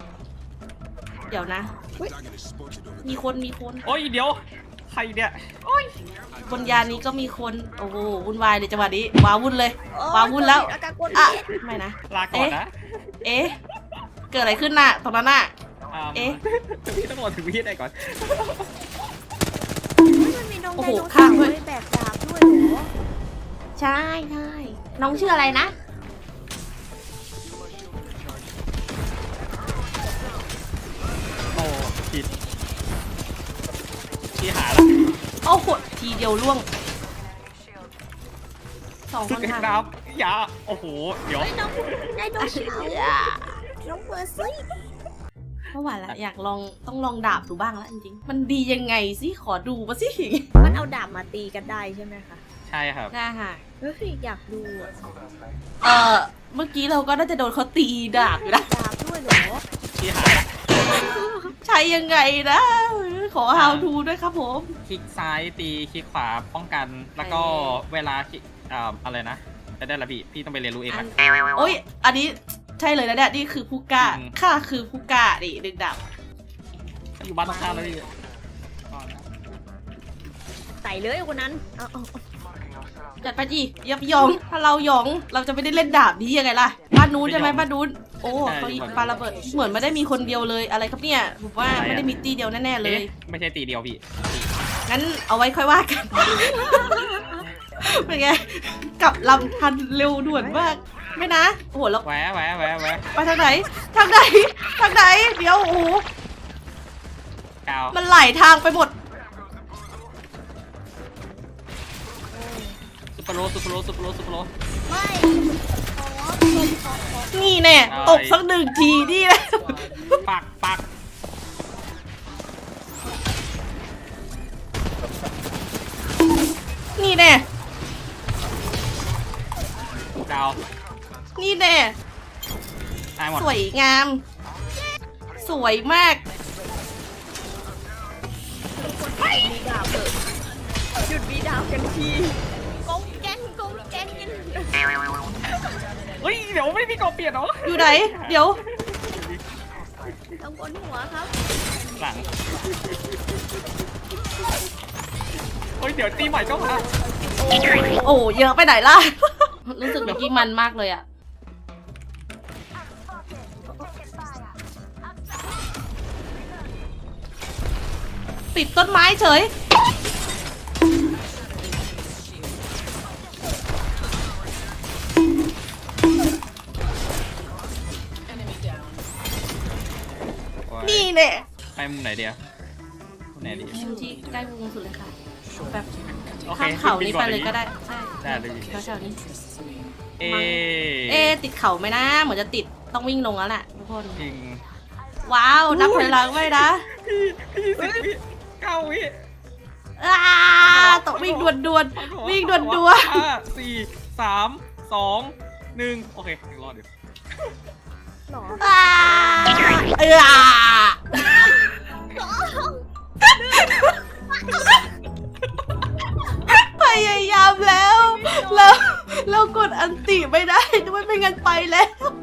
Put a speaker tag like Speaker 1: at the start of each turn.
Speaker 1: เดี๋ยวนะมีคน
Speaker 2: โอ้ยเดี๋ยวใครเนี่ยโอ้ย
Speaker 1: บนยานนี้ก็มีคนโอ้โหวุ่นวายเลยจังหวะนี้ว้าวุ่นเลยว้าวุ่นแล้วอ่ะไม่นะ
Speaker 2: ลาก่อนนะ
Speaker 1: เอ๊ะเกิดอะไรขึ้นน่ะตรงนั้นน่ะเอ๊ะ
Speaker 2: พี่ต้องบอกถึงพี่ได้ก่อน
Speaker 3: มันมีน้อง
Speaker 1: โอ้
Speaker 3: ได
Speaker 1: โห
Speaker 3: โน
Speaker 1: ข้า
Speaker 3: เสาง ร์
Speaker 1: ด้วย
Speaker 3: ด้วยแบกดาบด้วยเหรอ
Speaker 1: ใช่น้องชื่ออะไรนะ
Speaker 2: โอ้ผิดพี่หาแล้ว
Speaker 1: โอ้โหทีเดียวล่วงสองค
Speaker 2: สุด
Speaker 1: น
Speaker 2: แห่ง
Speaker 1: ค่ะ
Speaker 2: น้ำอย่าโอ้โหเดี๋ยว
Speaker 3: ไอ้น้องไดโนเสาร์น้องเบอร์ซี่
Speaker 1: เมื่อวานละอยากลองต้องลองดาบดูบ้างแล้วจริงๆมันดียังไงสิขอดูมาสิ
Speaker 3: มันเอาดาบมาตีกันได้ใช่ไหมคะ
Speaker 2: ใช่ครับ
Speaker 1: ได้ค่ะ
Speaker 3: เฮ้ยอยากดูอะ
Speaker 1: เมื่อกี้เราก็น่าจะโดนเขาตีดาบอยู่นะ
Speaker 3: ดาบด้วยเหรอ
Speaker 2: พี่หาละ
Speaker 1: ใช้ยังไงนะ ขอ how to ด้วยครับผม
Speaker 2: คลิกซ้ายตีคลิกขวาป้องกันแล้วก็เวลาคลิกอะไรนะจะได้ละพี่ต้องไปเรียนรู้เองนะ
Speaker 1: โอ้ยอันนี้ใช่เลยนะเนี่ยนี่คือผู้กล้าข้าคือผู้กล้าดิดึงดาบ
Speaker 2: อยู่บ้านตรงข้ามแล้วพี่
Speaker 3: ใส่เลยคนนั้นเอา
Speaker 1: จัดไปดิยับยองถ้าเราหยองเราจะไม่ได้เล่นดาบนี้ยังไงล่ะบ้านนู้นใช่ไหมบ้านนู้นโอ้เขาปาระเบิดเหมือนไม่ได้มีคนเดียวเลยอะไรครับเนี่ยผมว่าไม่ได้มีตีเดียวแน่ๆเลย
Speaker 2: ไม่ใช่ตีเดียวพี่
Speaker 1: งั้นเอาไว้ค่อยว่ากัน เป็นไงกลับลำทันเร็วด่วนมากไม่นะโอ้โหแล้ว
Speaker 2: แหวะ
Speaker 1: ไปทางไหนทางไหนทางไหนเดี๋ยวโอ้โห
Speaker 2: กาว
Speaker 1: มันไหลทางไปหมด
Speaker 2: ซุปเปอร์โรซุปเปอร์โรซุปเปอร์โรซุปเปอร์โร
Speaker 3: ไม่ขอ
Speaker 1: นี่แน่
Speaker 2: อะไร
Speaker 1: ตกสักหนึ่งทีนี่แหละ
Speaker 2: ปัก
Speaker 1: นี่แน่
Speaker 2: ดาว
Speaker 1: นี่แน่
Speaker 2: ตายหมด
Speaker 1: สวยงาม สวยมาก
Speaker 3: มีดาบเถอะหยุดมีดาบกันทีกงแกนกัน
Speaker 2: เฮ้ยเดี๋ยวไม่มีกรอบเปลี่ยนเหรอ
Speaker 1: อยู่ไหนเดี๋ยว
Speaker 3: ต้องบนหัวครับ
Speaker 2: หลังเฮ้ยเดี๋ยวตีใหม่ก็มา
Speaker 1: โอ้เยอะไปไหนล่ะ รู้สึกเมื่อกี้มันมากเลยอะติดต้นไม้เฉย นี่เนี่ย
Speaker 2: ไปมุมไหนเดียวมุมไหนดี
Speaker 1: ที่ใกล้วงสุดเลยค่ะแบบ
Speaker 2: โอเค
Speaker 1: ข้ามเขานี้ไปเลยก็ได้ใช่
Speaker 2: ได้เลย
Speaker 1: แถวๆนี้
Speaker 2: เอ
Speaker 1: เอ๊ะติดเขาไหมนะเหมือนจะติดต้องวิ่งลงแล้วแหละทุกคน
Speaker 2: จริง
Speaker 1: ว้าวนับถอยหลังไว้นะ
Speaker 2: พี่10 วิ9 วิ
Speaker 1: อ้าต้องวิ่งด่วนๆวิ่งด่วน
Speaker 2: 5 4 3 2 1โอเคยังรอดอยู่
Speaker 3: หรอ
Speaker 1: ๆอ้าพยายามแล้วเรากดอันติไม่ได้ด้วยไม่งั้นไปแล้ว